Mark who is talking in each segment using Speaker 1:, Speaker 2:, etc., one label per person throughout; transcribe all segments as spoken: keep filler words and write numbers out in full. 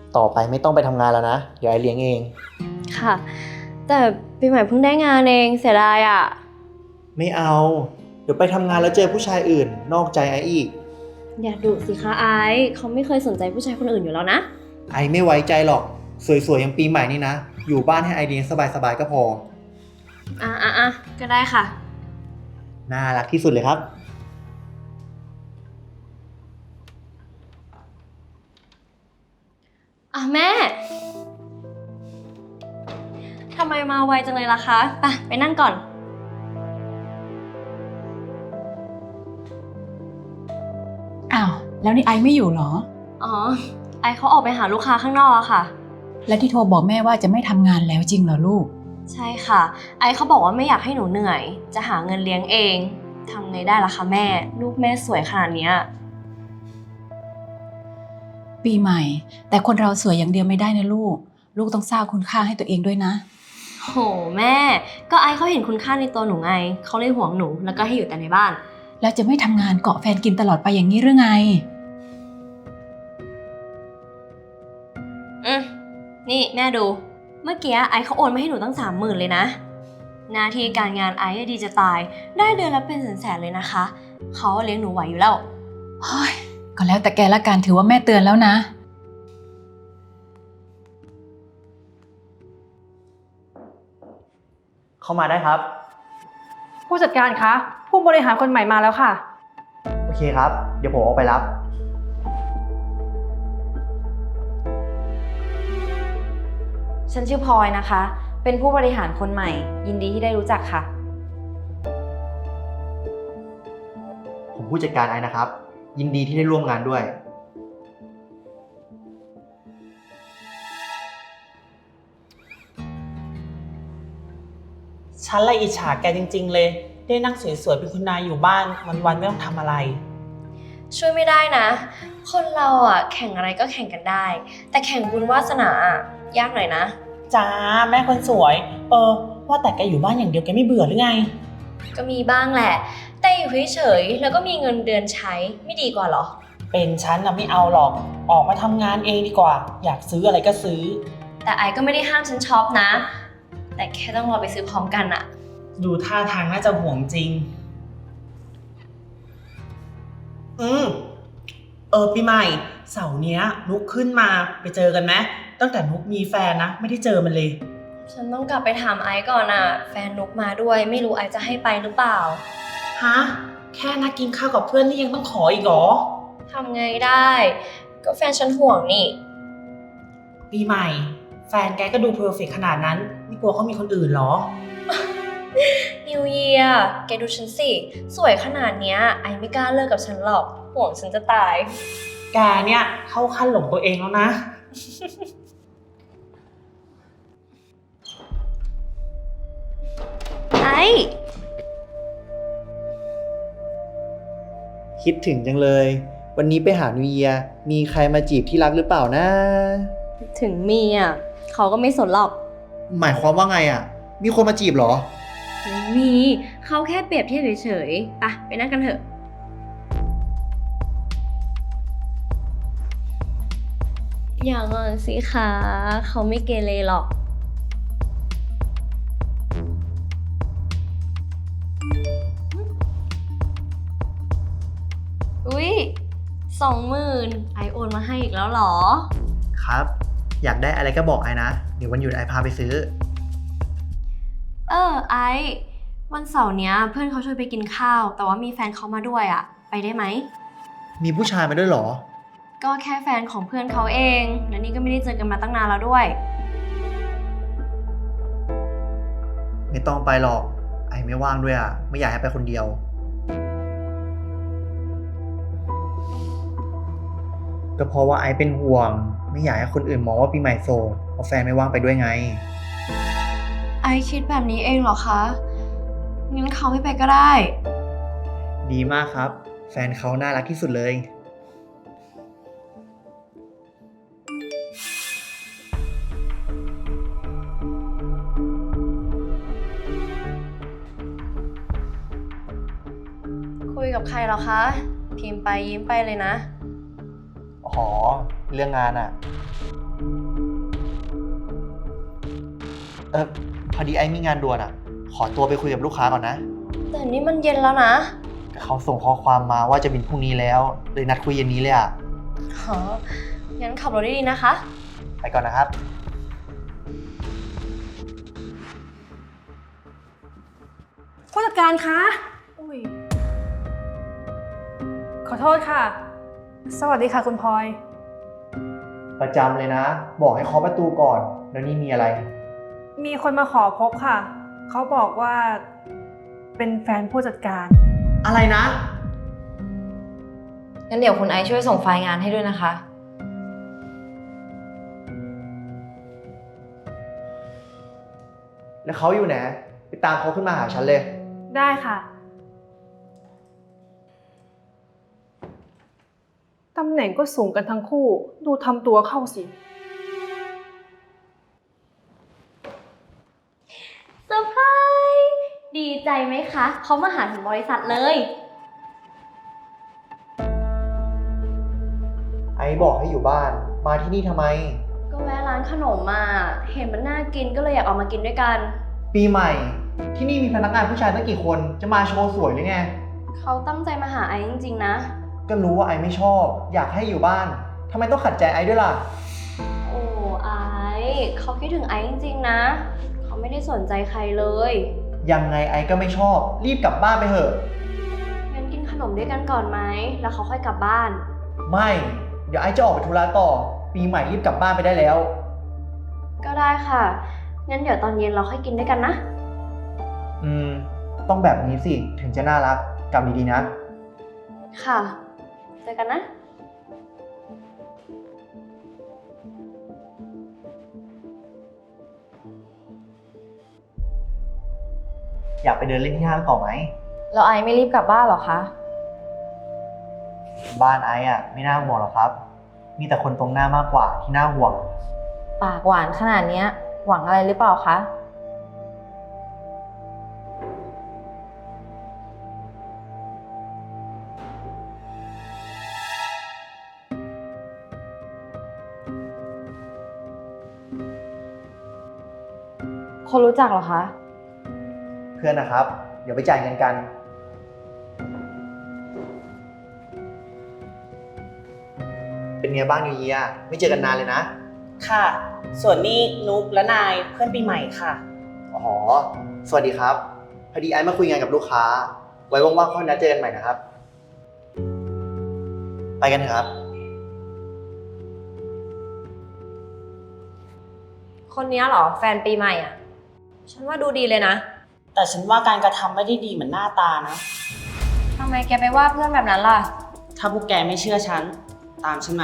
Speaker 1: ต่อไปไม่ต้องไปทำงานแล้วนะเดี๋ยวไอเลี้ยงเอง
Speaker 2: ค่ะ แต่ปีใหม่เพิ่งได้งานเองเสียดายอ่ะ
Speaker 1: ไม่เอา เดี๋ยวไปทำงานแล้วเจอผู้ชายอื่น นอกใจไออีก
Speaker 2: อย่าดุสิคะไอซ์เขาไม่เคยสนใจผู้ชายคนอื่นอยู่แล้วนะ
Speaker 1: ไอไม่ไว้ใจหรอก สวยๆอย่างปีใหม่นี่นะ อยู่บ้านให้ไอเลี้ยงสบายๆก็พอ
Speaker 2: อ่ะอ่ะอ่ะก็ได้ค่ะ
Speaker 1: น่ารักที่สุดเลยครับ
Speaker 2: อ่ะแม่ทำไมมาไวจังเลยล่ะคะไปไปนั่งก่อน
Speaker 3: อ้าวแล้วนี่ไอไม่อยู่เหรอ
Speaker 2: อ๋อ ไอซ์เขาออกไปหาลูกค้าข้างนอกอะค่ะ
Speaker 3: แล้วที่โทรบอกแม่ว่าจะไม่ทำงานแล้วจริงเหรอลูก
Speaker 2: ใช่ค่ะ ไอซ์เขาบอกว่าไม่อยากให้หนูเหนื่อย จะหาเงินเลี้ยงเองทำไงได้ล่ะคะแม่ ลูกแม่สวยขนาดเนี้ย
Speaker 3: ปีใหม่ แต่คนเราสวยอย่างเดียวไม่ได้นะลูก ลูกต้องสร้างคุณค่าให้ตัวเองด้วยนะ
Speaker 2: โหแม่ ก็ไอซ์เขาเห็นคุณค่าในตัวหนูไง เขาเลยห่วงหนูแล้วก็ให้อยู่แต่ในบ้าน
Speaker 3: แล้วจะไม่ทำงานเกาะแฟนกินตลอดไปอย่างนี้หรือไง
Speaker 2: อืมนี่แม่ดู เมื่อกี้ไอซ์เขาโอนมาให้หนูตั้งสามหมื่นเลยนะ หน้าที่การงานไอซ์ดีจะตาย ได้เดือนละเป็นแสนๆเลยนะคะ เขาเลี้ยงหนูไหวอยู่แล้ว
Speaker 3: เฮ้ย ก็แล้วแต่แกละกันถือว่าแม่เตือนแล้วนะ
Speaker 1: เข้ามาได้ครับ
Speaker 4: ผู้จัดการคะ ผู้บริหารคนใหม่มาแล้วค่ะ
Speaker 1: โอเคครับ เดี๋ยวผมออกไปรับ
Speaker 5: ฉันชื่อพลอยนะคะ เป็นผู้บริหารคนใหม่ ยินดีที่ได้รู้จักค่ะ
Speaker 1: ผมผู้จัดการไอนะครับ ยินดีที่ได้ร่วมงานด้วย
Speaker 6: ฉันละอิจฉาแกจริงๆเลย ได้นั่งสวยๆเป็นคุณนายอยู่บ้านวันๆไม่ต้องทำอะไร
Speaker 2: ช่วยไม่ได้นะ คนเราอ่ะแข่งอะไรก็แข่งกันได้ แต่แข่งบุญวาสนาอ่ะยากหน่อยนะ
Speaker 6: จ้าแม่คนสวย เออ ว่าแต่แกอยู่บ้านอย่างเดียวแกไม่เบื่อหรือไง
Speaker 2: ก็มีบ้างแหละ แต่อยู่เฉยๆแล้วก็มีเงินเดือนใช้ไม่ดีกว่าเหรอ
Speaker 6: เป็นฉันนะไม่เอาหรอก ออกมาทำงานเองดีกว่า อยากซื้ออะไรก็ซื้อ
Speaker 2: แต่ไอก็ไม่ได้ห้ามฉันช็อปนะ แต่แค่ต้องรอไปซื้อพร้อมกันอะ
Speaker 6: ดูท่าทางน่าจะห่วงจริง อืม เออปีใหม่เสาร์เนี้ยนุกขึ้นมาไปเจอกันไหมตั้งแต่นุกมีแฟนนะ ไม่ได้เจอมันเลย
Speaker 2: ฉันต้องกลับไปถามไอก่อนอะแฟนนุกมาด้วยไม่รู้ไอจะให้ไปหรือเปล่า
Speaker 6: ฮะ แค่นัดกินข้าวกับเพื่อนนี่ยังต้องขออีกเหรอ
Speaker 2: ทำไงได้ ก็แฟนฉันห่วงนี่
Speaker 6: ปีใหม่ แฟนแกก็ดูเพอร์เฟกต์ขนาดนั้น ไม่กลัวเขามีคนอื่นเหรอ
Speaker 2: นิวเยียร์แกดูฉันสิ สวยขนาดเนี้ยไอไม่กล้าเลิกกับฉันหรอก ห่วงฉันจะตาย
Speaker 6: แกเนี่ยเข้าขั้นหลงตัวเองแล้วนะ
Speaker 2: ไอ
Speaker 1: คิดถึงจังเลย วันนี้ไปหานิวเยียร์มีใครมาจีบที่รักหรือเปล่านะ
Speaker 2: ถึงมีอะเขาก็ไม่สนหรอก
Speaker 1: หมายความว่าไงอ่ะ มีคนมาจีบเหรอ
Speaker 2: ไม่มี เขาแค่เปรียบเทียบเฉยๆไปไปนั่งกันเถอะ อย่างงอนสิคะเขาไม่เกเรหรอก อุ๊ยสองหมื่นไอโอนมาให้อีกแล้วเหรอ
Speaker 1: ครับ อยากได้อะไรก็บอกไอนะ เดี๋ยววันหยุดไอพาไปซื้อ
Speaker 2: เออไอวันเสาร์เนี้ยเพื่อนเขาชวนไปกินข้าว แต่ว่ามีแฟนเขามาด้วยอะไปได้ไหม
Speaker 1: มีผู้ชายมาด้วยเหรอ
Speaker 2: ก็แค่แฟนของเพื่อนเขาเอง และนี่ก็ไม่ได้เจอกันมาตั้งนานแล้วด้วย
Speaker 1: ไม่ต้องไปหรอก ไอไม่ว่างด้วยอ่ะ ไม่อยากให้ไปคนเดียว ก็เพราะว่าไอเป็นห่วง ไม่อยากให้คนอื่นมองว่าปีใหม่โสดเพราะแฟนไม่ว่างไปด้วยไง
Speaker 2: ไอคิดแบบนี้เองเหรอคะ งั้นเขาไม่ไปก็ได้
Speaker 1: ดีมากครับ แฟนเขาน่ารักที่สุดเลย
Speaker 2: คุยกับใครเหรอคะ พิมพ์ไปยิ้มไปเลยนะ
Speaker 1: อ๋อ เรื่องงานอ่ะเออพอดีไอ้มีงานด่วนอะขอตัวไปคุยกับลูกค้าก่อนนะ
Speaker 2: แต่นี่มันเย็นแล้วนะ
Speaker 1: เขาส่งข้อความมาว่าจะบินพรุ่งนี้แล้วเลยนัดคุยเย็นนี้เลยอะ
Speaker 2: หองั้นขับรถดีๆนะคะ
Speaker 1: ไปก่อนนะครับ
Speaker 4: ผู้จัดการคะอุ้ยขอโทษค่ะ สวัสดีค่ะคุณพลอย
Speaker 1: ประจำเลยนะ บอกให้เคาะประตูก่อน แล้วนี่มีอะไร
Speaker 4: มีคนมาขอพบค่ะ เขาบอกว่าเป็นแฟนผู้จัดการ
Speaker 1: อะไรนะ
Speaker 5: งั้นเดี๋ยวคุณไอซ์ช่วยส่งไฟล์งานให้ด้วยนะคะ
Speaker 1: แล้วเขาอยู่ไหนไปตามเขาขึ้นมาหาฉันเลย
Speaker 4: ได้ค่ะ ตำแหน่งก็สูงกันทั้งคู่ ดูทำตัวเข้าสิ
Speaker 2: เซอร์ไพรส์ดีใจไหมคะ เขามาหาถึงบริษัทเลย
Speaker 1: ไอ้บอกให้อยู่บ้าน มาที่นี่ทำไม
Speaker 2: ก็แวะร้านขนมมาเห็นมันน่ากินก็เลยอยากออกมากินด้วยกัน
Speaker 1: ปีใหม่ ที่นี่มีพนักงานผู้ชายตั้งกี่คน จะมาโชว์สวยหรือไง
Speaker 2: เขาตั้งใจมาหาไอซ์จริงๆนะ
Speaker 1: ก็รู้ว่าไอ้ไม่ชอบ อยากให้อยู่บ้านทำไมต้องขัดใจไอ้ด้วยล่ะ
Speaker 2: โอ้ไอซ์เขาคิดถึงไอซ์จริงๆนะ เขาไม่ได้สนใจใครเลย
Speaker 1: ยังไงไอ้ก็ไม่ชอบ รีบกลับบ้านไปเถอะ
Speaker 2: งั้นกินขนมด้วยกันก่อนไหม แล้วเขาค่อยกลับบ้าน
Speaker 1: ไม่ เดี๋ยวไอ้จะออกไปธุระต่อ ปีใหม่รีบกลับบ้านไปได้แล้ว
Speaker 2: ก็ได้ค่ะ งั้นเดี๋ยวตอนเย็นเราค่อยกินด้วยกันนะ
Speaker 1: อืม ต้องแบบนี้สิ ถึงจะน่ารักกลับดีๆนะ
Speaker 2: ค่ะ เจอกันนะ
Speaker 1: อยากไปเดินเล่นที่ห้างต่อไหม
Speaker 5: แล้วไอซ์ไม่รีบกลับบ้านเหรอคะ
Speaker 1: บ้านไอ้อะไม่น่าห่วงหรอกครับ มีแต่คนตรงหน้ามากกว่าที่น่าห่วง
Speaker 5: ปากหวานขนาดเนี้ย หวังอะไรหรือเปล่าคะ คนรู้จักเหรอคะ
Speaker 1: เพื่อนนะครับ เดี๋ยวไปจ่ายเงินกัน เป็นไงบ้างนิวเยียร์ไม่เจอกันนานเลยนะ
Speaker 6: ค่ะ ส่วนนี้นุกและนายเพื่อนปีใหม่ค่ะ
Speaker 1: อ๋อ สวัสดีครับ พอดีไอ้มาคุยงานกับลูกค้า ไว้ว่างๆค่อยนัดเจอกันใหม่นะครับ ไปกันเถอะครับ
Speaker 2: คนนี้เหรอ แฟนปีใหม่อ่ะ ฉันว่าดูดีเลยนะ
Speaker 6: แต่ฉันว่าการกระทำไม่ได้ดีเหมือนหน้าตานะ
Speaker 2: ทำไมแกไปว่าเพื่อนแบบนั้นล่ะ
Speaker 6: ถ้าพวกแกไม่เชื่อฉัน ตามฉันมา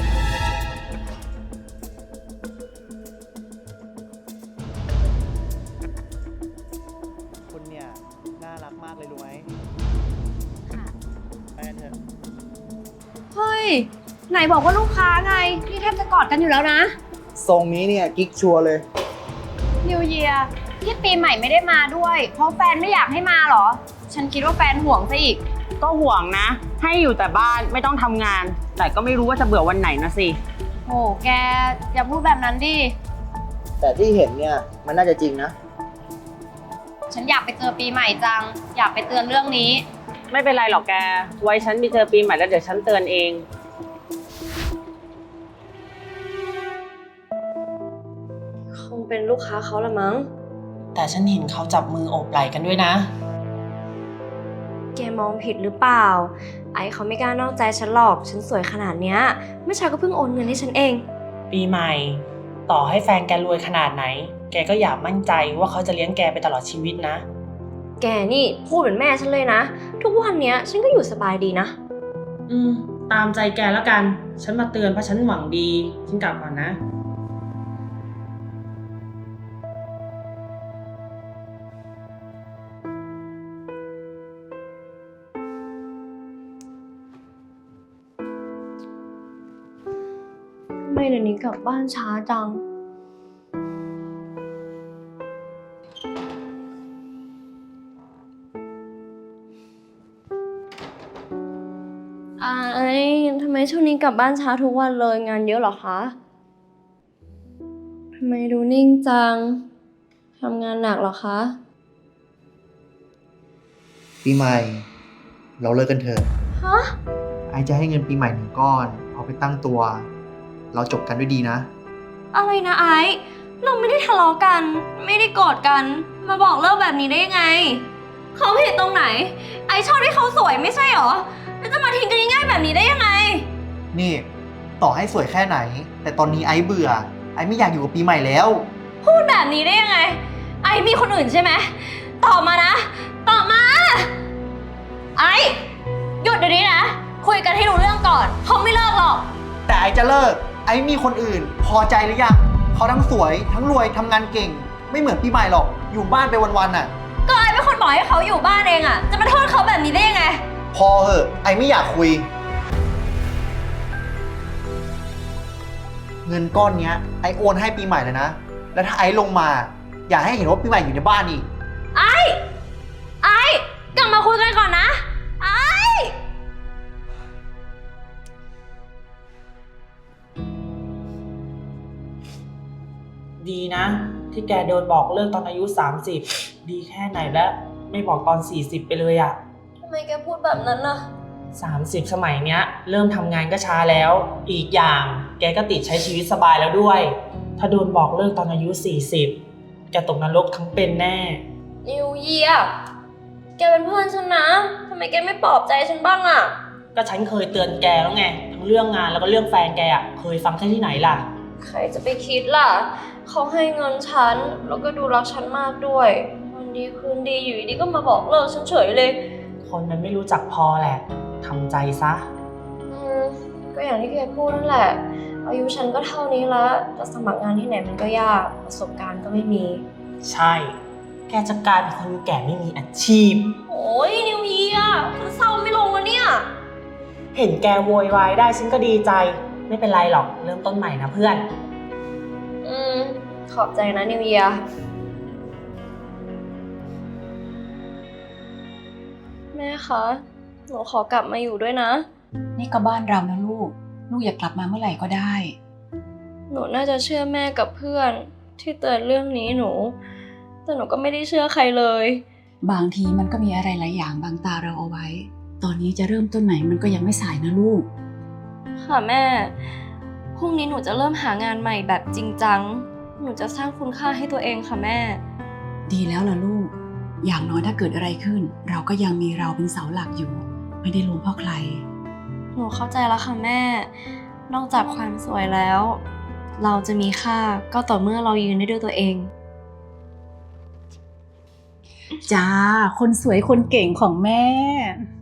Speaker 1: คุณเนี่ย น่ารักมากเลยรู้ไหมไปกันเถอะ
Speaker 2: เฮ้ย ไหนบอกว่าลูกค้าไง นี่แทบจะกอดกันอยู่แล้วนะ
Speaker 1: ทรงนี้เนี่ยกิ๊กชัวร์เลย
Speaker 2: นิวเยียร์ที่ปีใหม่ไม่ได้มาด้วย เพราะแฟนไม่อยากให้มาเหรอ ฉันคิดว่าแฟนห่วงซะอีก
Speaker 6: ก็ห่วงนะ ให้อยู่แต่บ้านไม่ต้องทำงาน แต่ก็ไม่รู้ว่าจะเบื่อวันไหนนะสิ
Speaker 2: โห แกอย่าพูดแบบนั้นดิ
Speaker 1: แต่ที่เห็นเนี่ย มันน่าจะจริงนะ
Speaker 2: ฉันอยากไปเจอปีใหม่จัง อยากไปเตือนเรื่องนี้
Speaker 6: ไม่เป็นไรหรอกแก ไว้ฉันไปเจอปีใหม่แล้วเดี๋ยวฉันเตือนเอง
Speaker 2: คงเป็นลูกค้าเขาละมั้ง
Speaker 6: แต่ฉันเห็นเขาจับมือโอบไหล่กันด้วยนะ
Speaker 2: แกมองผิดหรือเปล่า ไอเขาไม่กล้านอกใจฉันหรอก ฉันสวยขนาดเนี้ยเมื่อเช้าก็เพิ่งโอนเงินให้ฉันเอง
Speaker 6: ปีใหม่ ต่อให้แฟนแกรวยขนาดไหน แกก็อย่ามั่นใจว่าเขาจะเลี้ยงแกไปตลอดชีวิตนะ
Speaker 2: แกนี่พูดเหมือนแม่ฉันเลยนะ ทุกวันเนี้ยฉันก็อยู่สบายดีนะ
Speaker 6: อืม ตามใจแกแล้วกัน ฉันมาเตือนเพราะฉันหวังดี ฉันกลับก่อนนะ
Speaker 2: ทำไมเดี๋ยวนี้กลับบ้านช้าจัง ไอทำไมช่วงนี้กลับบ้านช้าทุกวันเลยงานเยอะเหรอคะ ทำไมดูนิ่งจังทำงานหนักเหรอคะ
Speaker 1: ปีใหม่ เราเลิกกันเถอะ
Speaker 2: ฮะ
Speaker 1: ไอซ์จะให้เงินปีใหม่หนึ่งก้อน เอาไปตั้งตัว เราจบกันด้วยดีนะ
Speaker 2: อะไรนะไอซ์เราไม่ได้ทะเลาะกัน ไม่ได้โกรธกัน มาบอกเลิกแบบนี้ได้ยังไง เขาผิดตรงไหน ไอซ์ชอบที่เขาสวยไม่ใช่หรอ แล้วจะมาทิ้งกันง่ายๆแบบนี้ได้ยังไง
Speaker 1: นี่ ต่อให้สวยแค่ไหน แต่ตอนนี้ไอซ์เบื่อ ไอซ์ไม่อยากอยู่กับปีใหม่แล้ว
Speaker 2: พูดแบบนี้ได้ยังไง ไอซ์มีคนอื่นใช่ไหมตอบมานะ ตอบมา ไอซ์หยุดเดี๋ยวนี้นะ คุยกันให้รู้เรื่องก่อน เขาไม่เลิกหรอก
Speaker 1: แต่ไอซ์จะเลิก ไอซ์มีคนอื่น พอใจหรือยัง เขาทั้งสวย ทั้งรวยทำงานเก่ง ไม่เหมือนปีใหม่หรอก อยู่บ้านไปวันๆน่ะ
Speaker 2: ก็ไอซ์เป็นคนบอกให้เขาอยู่บ้านเองอะจะมาโทษเขาแบบนี้ได้ยังไง
Speaker 1: พอเหอะ ไอซ์ไม่อยากคุย เงินก้อนเนี้ย ไอซ์โอนให้ปีใหม่เลยนะ แล้วถ้าไอซ์ลงมา อย่าให้เห็นว่าปีใหม่อยู่ในบ้านอีก
Speaker 2: ไอซ์ไอซ์กลับมาคุยกันก่อนนะ ไอซ์
Speaker 6: ดีนะ ที่แกโดนบอกเลิกตอนอายุ สามสิบ ดีแค่ไหนแล้วไม่บอกตอน สี่สิบ ไปเลยอะ
Speaker 2: ทำไมแกพูดแบบนั้นน่ะ
Speaker 6: สามสิบ สมัยเนี้ย เริ่มทำงานก็ช้าแล้ว อีกอย่างแกก็ติดใช้ชีวิตสบายแล้วด้วย ถ้าโดนบอกเลิกตอนอายุ สี่สิบ แกตกนรกทั้งเป็นแน่
Speaker 2: นิวเยียแกเป็นเพื่อนฉันนะ ทำไมแกไม่ปลอบใจฉันบ้างอะ
Speaker 6: ก็ฉันเคยเตือนแกแล้วไง ทั้งเรื่องงานแล้วก็เรื่องแฟนแกอะเคยฟังแค่ที่ไหนล่ะ
Speaker 2: ใครจะไปคิดล่ะ เขาให้เงินฉัน แล้วก็ดูรักฉันมากด้วย วันดีคืนดีอยู่ดีๆก็มาบอกเลิกฉันเฉยเลย
Speaker 6: คนมันไม่รู้จักพอแหละทำใจซะ
Speaker 2: อืม ก็อย่างที่แกพูดนั่นแหละ อายุฉันก็เท่านี้แล้ว จะสมัครงานที่ไหนมันก็ยาก ประสบการณ์ก็ไม่มี
Speaker 6: ใช่ แกจะกลายเป็นคนแก่ไม่มีอาชีพ
Speaker 2: โอ้ยนิวเยียฉันเศร้าไม่ลงแล้วเนี่ย
Speaker 6: เห็นแกโวยวายได้ฉันก็ดีใจ ไม่เป็นไรหรอกเริ่มต้นใหม่นะเพื่อน
Speaker 2: อืม ขอบใจนะนิวเยียแม่คะ หนูขอกลับมาอยู่ด้วยนะ
Speaker 3: นี่ก็บ้านเรานะลูก ลูกอยากกลับมาเมื่อไหร่ก็ได้
Speaker 2: หนูน่าจะเชื่อแม่กับเพื่อนที่เตือนเรื่องนี้หนู แต่หนูก็ไม่ได้เชื่อใครเลย
Speaker 3: บางทีมันก็มีอะไรหลายอย่างบังตาเราเอาไว้ ตอนนี้จะเริ่มต้นไหนมันก็ยังไม่สายนะลูก
Speaker 2: ค่ะแม่ พรุ่งนี้หนูจะเริ่มหางานใหม่แบบจริงจัง หนูจะสร้างคุณค่าให้ตัวเองค่ะแม่
Speaker 3: ดีแล้วล่ะลูก อย่างน้อยถ้าเกิดอะไรขึ้น เราก็ยังมีเราเป็นเสาหลักอยู่ ไม่ได้ล้มเพราะใคร
Speaker 2: หนูเข้าใจแล้วค่ะแม่ นอกจากความสวยแล้ว เราจะมีค่าก็ต่อเมื่อเรายืนได้ด้วยตัวเอง
Speaker 3: จ้า คนสวยคนเก่งของแม่